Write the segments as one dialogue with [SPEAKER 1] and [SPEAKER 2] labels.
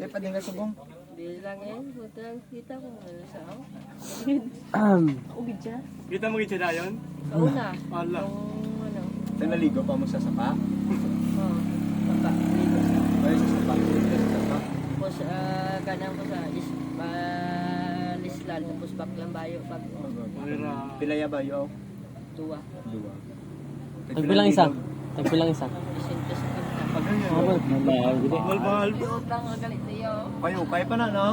[SPEAKER 1] Kaya pa din ka subong.
[SPEAKER 2] Bilang punta kita ko ano sa ako. Ugid siya.
[SPEAKER 3] Kita mo gitsa dayon?
[SPEAKER 2] Sa una.
[SPEAKER 3] Ala.
[SPEAKER 2] Yung ano.
[SPEAKER 1] Sa naligo pa mo sa sapa.
[SPEAKER 2] Oh. Papa. Ligo.
[SPEAKER 1] Ay, sa sapa. Sa sapa.
[SPEAKER 2] Tapos kanang ko sa Lislan. Tapos baklang bayo. Pag
[SPEAKER 1] Pilaya ba yo?
[SPEAKER 2] tuwa.
[SPEAKER 1] Dua.
[SPEAKER 4] Tagpilang isa. Tagpilang isa.
[SPEAKER 2] Isinto sa kita.
[SPEAKER 3] Mahal-mahal.
[SPEAKER 2] Di utang o galit niyo.
[SPEAKER 1] Kayo, kaya pa na, no?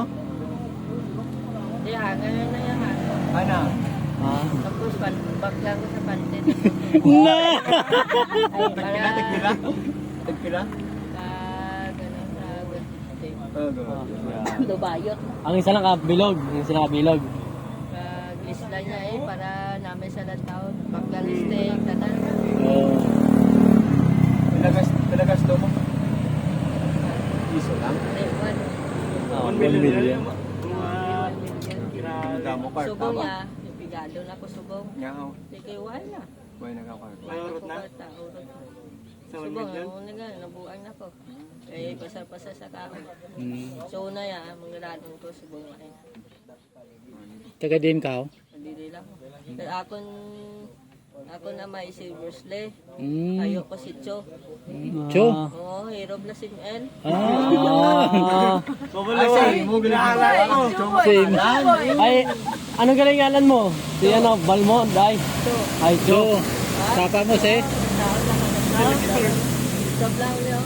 [SPEAKER 2] Di ngayon na yan ha.
[SPEAKER 1] Ana.
[SPEAKER 2] Tapos baklang ko sa pantin.
[SPEAKER 4] Na!
[SPEAKER 2] Ay,
[SPEAKER 1] Tagpila, tagpila. Tagpila.
[SPEAKER 2] Ganun sa
[SPEAKER 1] Dubayot.
[SPEAKER 4] Ang isa lang kabilog. Ang isa lang kabilog.
[SPEAKER 2] Isla niya para namin sa taon. Baklang steak, tanan.
[SPEAKER 1] Pinagas daw mo. Iso lang.
[SPEAKER 3] $1 million.
[SPEAKER 1] Damo card,
[SPEAKER 2] Subong
[SPEAKER 1] tama?
[SPEAKER 2] niya, pigado na ko subong.
[SPEAKER 1] Ngaw.
[SPEAKER 2] Sige, wala.
[SPEAKER 1] Buhay nagkakard.
[SPEAKER 3] Urot na? Sa 1
[SPEAKER 2] Subong,
[SPEAKER 3] million?
[SPEAKER 2] ano nga, nabuang na ko. Eh, pasar-pasar sa tao. So, una ya, manggaradon ko subong na eh.
[SPEAKER 4] Taga din ka.
[SPEAKER 2] Nadili lang. Pero ako na may silver slay.
[SPEAKER 4] Mm.
[SPEAKER 2] Ayo ko si Cho.
[SPEAKER 4] Cho.
[SPEAKER 2] Oo, hero blessing L.
[SPEAKER 1] Ay, sorry mo, ginagawa ko.
[SPEAKER 4] Same. Ay, ano galingalan mo? Si ano, Balmond, ay.
[SPEAKER 2] Cho.
[SPEAKER 4] Ay, Cho. Sapa mo si?
[SPEAKER 2] Stop lang niyo.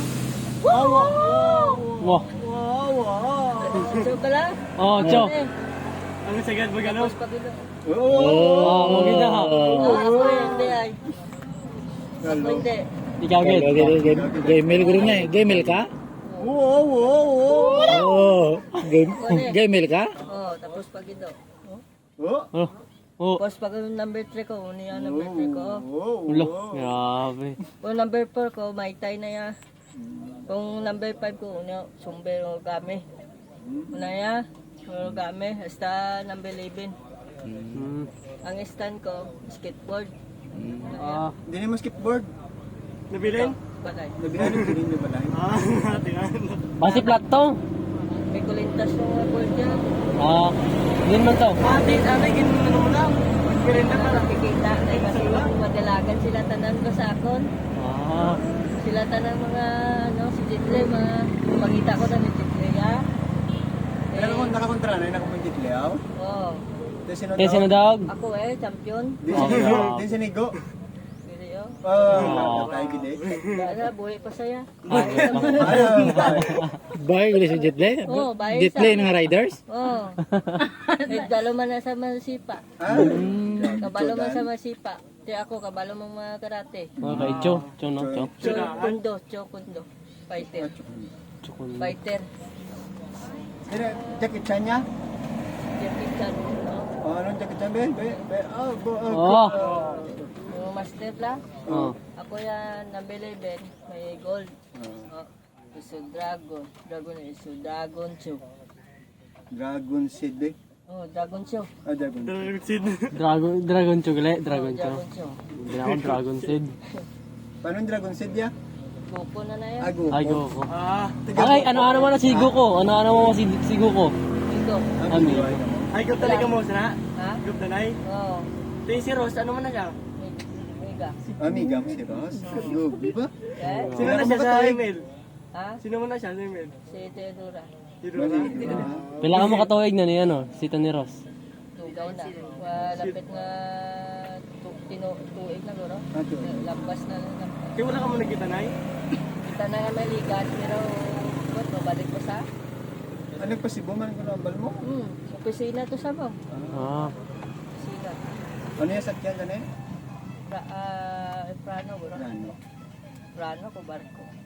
[SPEAKER 4] Wow.
[SPEAKER 2] Cho ka lang.
[SPEAKER 4] Oh, Cho.
[SPEAKER 3] Ano sagad mo gano'n?
[SPEAKER 2] Tapos pagilo.
[SPEAKER 4] Oh, maganda ha.
[SPEAKER 2] Ako hindi ay. Ako hindi.
[SPEAKER 4] Ikaw, Gid.
[SPEAKER 5] Gamel guru niya eh. Gamel ka? Oo. Gamel ka?
[SPEAKER 2] Oh, tapos pagilo.
[SPEAKER 4] Oh. Oh.
[SPEAKER 2] Tapos pag number 3 ko, ano yung number 3 ko?
[SPEAKER 4] Ulo. Grabe.
[SPEAKER 2] Kung number 4 ko, may tay na ya. Kung number 5 ko, ano, sumber o game. Una ya, o game, hasta number 11. Ang stand ko, skateboard.
[SPEAKER 1] Hindi na mo skateboard.
[SPEAKER 3] Nabilin?
[SPEAKER 2] Balay.
[SPEAKER 1] Nabihan yung piling niyo ba dahil?
[SPEAKER 3] Tingnan.
[SPEAKER 4] Basi plat to.
[SPEAKER 2] May kulintas yung board niya.
[SPEAKER 4] Yun man to.
[SPEAKER 3] Ate, ginawa mo lang.
[SPEAKER 2] Ano nakikita ay kasi madalagan sila tanan ko sa akon. Sila tanan mga ano si Jitle makita ko na ni Jitle ya.
[SPEAKER 1] Nakakontra na, nakapuntit liyaw.
[SPEAKER 2] Oh.
[SPEAKER 4] Kaya sinadawag.
[SPEAKER 2] Ako champion.
[SPEAKER 1] Din sinigo.
[SPEAKER 2] Dili yo.
[SPEAKER 1] Tayo gede.
[SPEAKER 2] Dala buhay pa saya.
[SPEAKER 5] Bahay guli sa Jetley?
[SPEAKER 2] Oh, bahay
[SPEAKER 5] Jetley
[SPEAKER 2] sa-
[SPEAKER 5] ng riders?
[SPEAKER 2] Oh. Dalo man na sa masipa. Kabalo man sa masipa. Di ako kabalo mo mga karate.
[SPEAKER 4] Okay, Cho. Cho no, Cho.
[SPEAKER 2] Kundo. Fighter. Fighter.
[SPEAKER 1] Jackie Chan niya?
[SPEAKER 2] Jackie Chan. No?
[SPEAKER 1] Anong Jackie Chan, Ben?
[SPEAKER 4] Oh.
[SPEAKER 2] Yung master lang.
[SPEAKER 4] Oh.
[SPEAKER 2] Ako yan, number 11, may gold. Iso dragon. Dragon show.
[SPEAKER 1] Dragon Seed, eh.
[SPEAKER 2] Oh, dragon show.
[SPEAKER 1] Dragon.
[SPEAKER 4] Dragon Cho gali. Dragon Cho.
[SPEAKER 2] Dragon show.
[SPEAKER 4] Hindi ako Dragon Seed.
[SPEAKER 1] Paano yung Dragon Seed ya?
[SPEAKER 2] Goku na na yan.
[SPEAKER 1] Ago.
[SPEAKER 4] Ay, go ko.
[SPEAKER 3] Ah.
[SPEAKER 4] Okay, ano mo na sigo ko? Ano mo sigo ko?
[SPEAKER 2] Ito.
[SPEAKER 4] Ami.
[SPEAKER 3] Ay, gup talaga mo sana.
[SPEAKER 2] Ha?
[SPEAKER 3] Gup tanay.
[SPEAKER 2] Oo.
[SPEAKER 3] Ito si Rose, ano man na siya?
[SPEAKER 2] Mega.
[SPEAKER 1] Amiga mo si Ross. Yo, di ba?
[SPEAKER 2] Okay?
[SPEAKER 3] Sino na siya sa email?
[SPEAKER 2] Ha?
[SPEAKER 3] Sino mo na siya sa email?
[SPEAKER 2] Si Teodora.
[SPEAKER 3] Si Rose.
[SPEAKER 4] Pila ka mo katuig na ni ano, si Tony Ross.
[SPEAKER 2] Tugay na. Lapit na tuig na guro. Lampas na lang.
[SPEAKER 3] Kaya wala ka mo nagkita na
[SPEAKER 2] Kita na nga may ligas, pero what, mabalik ko sa?
[SPEAKER 1] Ano pa si Buman ko nambal mo?
[SPEAKER 2] Opisina to sa mo. Opisina.
[SPEAKER 1] Ano yung sakyan ka na eh?
[SPEAKER 2] Prano, bro.
[SPEAKER 1] Ano?
[SPEAKER 2] Prano ko barko.